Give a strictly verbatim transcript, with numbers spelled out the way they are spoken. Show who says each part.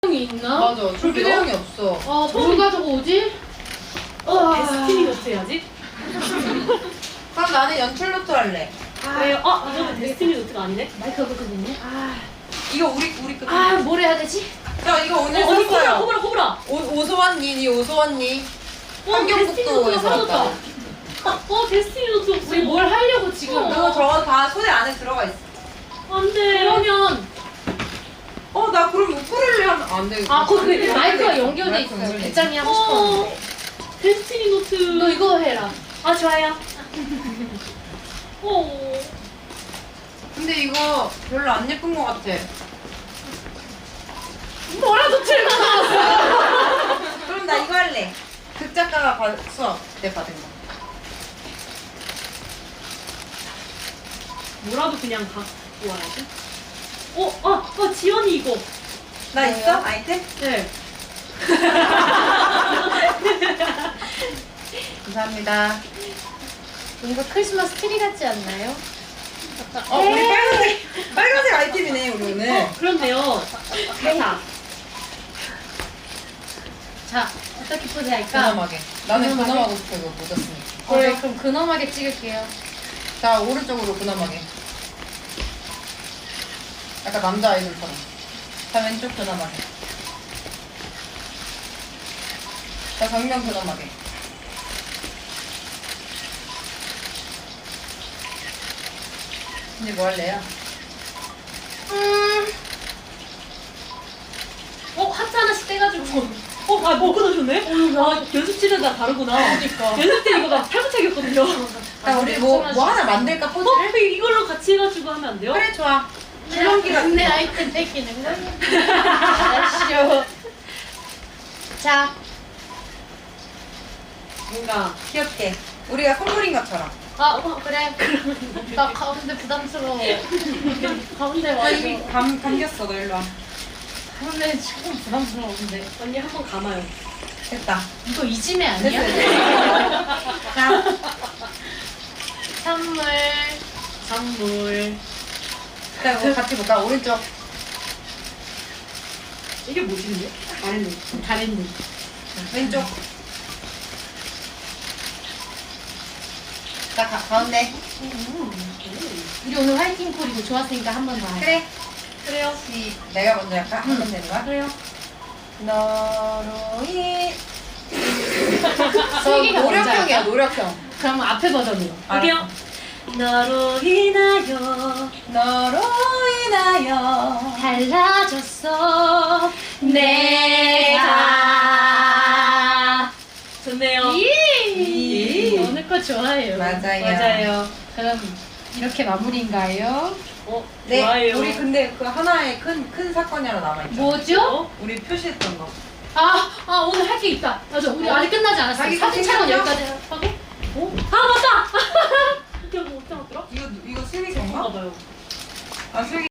Speaker 1: 이 있나?
Speaker 2: 맞아. 줄기대형이 없어.
Speaker 1: 아, 뭘 가져오지? 아,
Speaker 3: 데스티니 노트 해야지.
Speaker 2: 그럼 나는 연출 노트 할래.
Speaker 3: 왜요? 아, 이거는 데스티니 노트가 아니네?
Speaker 1: 마이크가 그거든요. 아,
Speaker 2: 이거 우리 우리 끝.
Speaker 1: 아, 뭘 해야 되지?
Speaker 2: 야 이거 오늘
Speaker 3: 어, 언니 호불아,
Speaker 2: 샀어요.
Speaker 3: 호불아, 호불아.
Speaker 2: 오 오소환니, 니 오소환니.
Speaker 3: 어, 데스티니 노트가
Speaker 2: 환경북도에서
Speaker 3: 사라졌다.
Speaker 2: 왔다.
Speaker 3: 어, 데스티니 노트 없어.
Speaker 1: 우리 뭘 하려고 지금?
Speaker 3: 어.
Speaker 2: 그거 저거 다 소재 안에 들어가 있어.
Speaker 3: 안 돼.
Speaker 1: 그러면
Speaker 2: 어 나 그럼 우쿨렐레 하면 안 돼.
Speaker 1: 아, 거기 마이크가 연결돼
Speaker 2: 마이크
Speaker 1: 있어요.
Speaker 2: 연결돼
Speaker 1: 배짱이 하고
Speaker 3: 어,
Speaker 1: 싶었는데.
Speaker 3: 데스티니 노트.
Speaker 1: 너 이거 해라.
Speaker 3: 아, 좋아요. 어.
Speaker 2: 근데 이거 별로 안 예쁜 것 같아.
Speaker 1: 뭐라도 틀고 나왔어.
Speaker 2: 그럼 나 이거 할래. 극작가가 받, 수업 때 받은 거.
Speaker 3: 뭐라도 그냥 갖고 와야지. 어, 아, 아, 지연이 이거.
Speaker 2: 나
Speaker 1: 뭐예요?
Speaker 2: 있어? 아이템?
Speaker 3: 네.
Speaker 2: 감사합니다.
Speaker 1: 뭔가 크리스마스 트리 같지 않나요?
Speaker 2: 어 우리 빨간색 빨간색 아이템이네 우리 오늘.
Speaker 3: 어, 그렇네요. 자,
Speaker 1: 자, 어떻게 포즈 할까?
Speaker 2: 근엄하게. 나는
Speaker 1: 근엄하게?
Speaker 2: 근엄하고 싶어 이거 묻었으니까.
Speaker 1: 어, 네, 그럼 근엄하게 찍을게요.
Speaker 2: 자 오른쪽으로 근엄하게. 약간 남자 아이돌처럼. 자 왼쪽 근엄하게. 자 정면 근엄하게. 이제 뭐 할래요?
Speaker 1: 음,
Speaker 3: 어, 하트 하나씩 떼가지고. 어, 아, 뭐 끊어줬네? 아, 연습실은 다 다르구나.
Speaker 2: 그러니까.
Speaker 3: 연습 때 이거 나 탈부착이었거든요.
Speaker 2: 자 우리 뭐 뭐 하나 만들까
Speaker 3: 어,
Speaker 2: 포즈를?
Speaker 3: 그 이걸로 같이 해가지고 하면 안 돼요?
Speaker 2: 그래 좋아. 줄넘기가
Speaker 1: 내 아이템 뺏기는 거야? 아쉬워. 자,
Speaker 2: 뭔가 귀엽게. 우리가 선물인 것처럼.
Speaker 1: 아, 어, 그래. 나 가운데 부담스러워. 가운데
Speaker 2: 나
Speaker 1: 와서.
Speaker 2: 이미 감 감겼어. 너 일로 와.
Speaker 1: 가운데 조금 부담스러운데.
Speaker 3: 언니 한 번 감아요.
Speaker 2: 됐다.
Speaker 1: 이거 이지매 아니야?
Speaker 2: 됐어. 자.
Speaker 1: 선물.
Speaker 3: 선물.
Speaker 2: 자, 이거 같이 볼까? 오른쪽.
Speaker 3: 이게 뭐지, 근데?
Speaker 1: 잘했네. 잘했네.
Speaker 2: 왼쪽. 자, 가, 가운데.
Speaker 1: 우리 오늘 화이팅 콜이고 좋았으니까 한 번 더 하자.
Speaker 2: 그래.
Speaker 3: 그래요.
Speaker 2: 시, 내가 먼저 할까? 하면 되는 거야?
Speaker 3: 그래요.
Speaker 2: 너로 이.
Speaker 1: 슬기가 먼저
Speaker 2: 노력형이야,
Speaker 1: 할까?
Speaker 2: 노력형.
Speaker 1: 그럼 앞에 버전으로.
Speaker 3: 할게요. 너로 인하여.
Speaker 2: 너로 인하여.
Speaker 1: 달라졌어. 내가.
Speaker 3: 좋네요.
Speaker 1: 이.
Speaker 2: 이.
Speaker 1: 오늘 거 좋아해요.
Speaker 2: 맞아요.
Speaker 3: 맞아요.
Speaker 1: 그럼 이렇게 마무리인가요?
Speaker 3: 어,
Speaker 2: 네,
Speaker 3: 좋아요.
Speaker 2: 우리 근데 그 하나의 큰, 큰 사건이 하나 남아있죠.
Speaker 1: 뭐죠?
Speaker 3: 어?
Speaker 2: 우리 표시했던 거.
Speaker 1: 아, 아 오늘 할 게 있다. 맞아, 우리
Speaker 2: 어?
Speaker 1: 아직 끝나지 않았어.
Speaker 2: 자기
Speaker 1: 사진 촬영
Speaker 2: 생각해요?
Speaker 1: 여기까지 하고.
Speaker 3: 어? 아, 맞다! 이게 뭐 어떻게 하더라?
Speaker 2: 이거, 이거 슬기 건가?
Speaker 3: 봐봐요.
Speaker 2: 아, 슬기.